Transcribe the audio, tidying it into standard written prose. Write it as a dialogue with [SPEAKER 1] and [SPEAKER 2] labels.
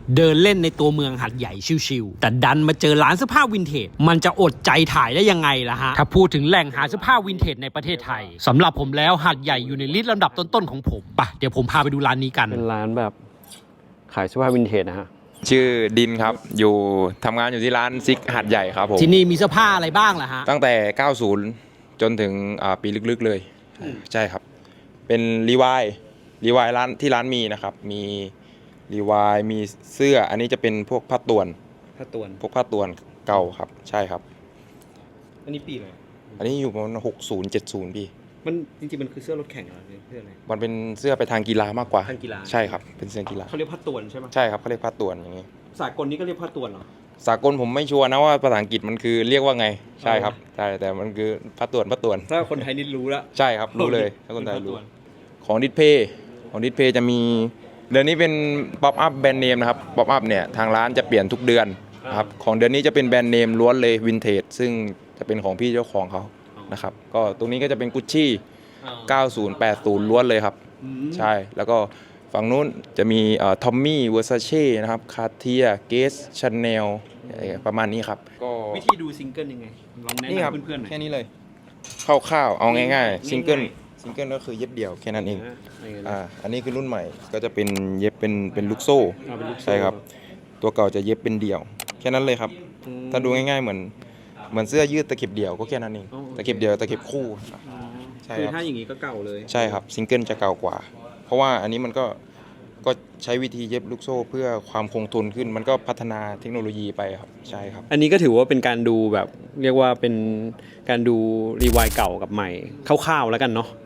[SPEAKER 1] เดินเล่นในตัวเมืองหัดใหญ่ชิวๆแต่ดันมาเจอร้านเสื้อผ้าวินเทจมันจะอดใจถ่ายได้ยังไงล่ะฮะถ้าพูดถึงแหล่งหาเสื้อผ้าวินเทจในประเทศไทยสำหรับผมแล้วหัดใหญ่อยู่ในลิสต์ลำดับต้นๆของผมไปเดี๋ยวผมพาไปดูร้านนี้กัน
[SPEAKER 2] เป็นร้านแบบขายเสื้อผ้าวินเทจนะฮะ
[SPEAKER 3] ชื่อดินครับอยู่ทำงานอยู่ที่ร้านซิกหาดใหญ่ครับผม
[SPEAKER 1] ที่นี่มีเสื้อผ้าอะไรบ้างล่ะฮะ
[SPEAKER 3] ตั้งแต่ 90 จนถึงปีลึกๆเลยใช่ครับเป็นรีวายร้านที่ร้านมีนะครับมีรีวายมีเสื้ออันนี้จะเป็นพวกผ้าต่วนพวกผ้าต่วนเก่าครับใช่ครับ
[SPEAKER 2] อันนี้ปีอะไร
[SPEAKER 3] อันนี้อยู่ประมาณ60-70พี่
[SPEAKER 2] มันจริงๆมันคือเสื้อรถแข่งเหรอเสื้ออะไร
[SPEAKER 3] มันเป็นเสื้อไปทางกีฬามากกว่า
[SPEAKER 2] ทางกีฬา
[SPEAKER 3] ใช่ครับเป็นเสื้อกีฬา
[SPEAKER 2] เขาเรียกผ้าต่วนใช่ไหม
[SPEAKER 3] ใช่ครับเขาเรียกผ้าต่วนอย่างนี้
[SPEAKER 2] สากลนี้ก็เรียกผ้าต่วนเหรอ
[SPEAKER 3] สากลผมไม่ชัวร์นะว่าภาษาอังกฤษมันคือเรียกว่าไงใช่ครับใช่แต่มันคือผ้าต่วน
[SPEAKER 2] ถ้าคนไทยนี่รู้ละ
[SPEAKER 3] ใช่ครับรู้เลยถ้าคนไทยรู้ของดิสเพย์จะมีเดือนนี้เป็นป๊อปอัพแบรนด์เนมนะครับป๊อปอัพเนี่ยทางร้านจะเปลี่ยนทุกเดือนครับของเดือนนี้จะเป็นแบรนด์เนมล้วนเลยวินเทจซึ่งจะเป็นของพี่เจ้าของเขานะครับก็ตรงนี้ก็จะเป็นกุชชี่90 80ล้วนเลยครับใช่แล้วก็ฝั่งนู้นจะมีทอมมี่เวอร์ซาเช่นะครับคาร์เทียเกสชาแนลประมาณนี้ครับก็
[SPEAKER 2] วิธีดูซิงเกิลยังไงลองแนะนำเพื่อนๆหน่อย
[SPEAKER 3] แค่นี้เลยคร่าวๆเอาง่ายๆซิงเกิลก็คือเย็บเดี่ยวแค่นั้นเองอันนี้คือรุ่นใหม่ก็จะเป็นเย็บเป็นลูกโซ่ใช่ครับตัวเก่าจะเย็บเป็นเดี่ยวแค่นั้นเลยครับถ้าดูง่ายๆเหมือนเสื้อยืดตะเข็บเดี่ยวก็แค่นั้นเองตะเข็บเดี่ยวตะเข็บคู่
[SPEAKER 2] ใช่ครับคือถ้าอย่างนี้ก็เก่าเลย
[SPEAKER 3] ใช่ครับซิงเกิลจะเก่ากว่าเพราะว่าอันนี้มันก็ใช้วิธีเย็บลูกโซ่เพื่อความคงทนขึ้นมันก็พัฒนาเทคโนโลยีไปครับใช่ครับ
[SPEAKER 2] อันนี้ก็ถือว่าเป็นการดูแบบเรียกว่าเป็นการดูรีไวด์เก่ากับใหม่คร่าวๆแล้วกันเนาะ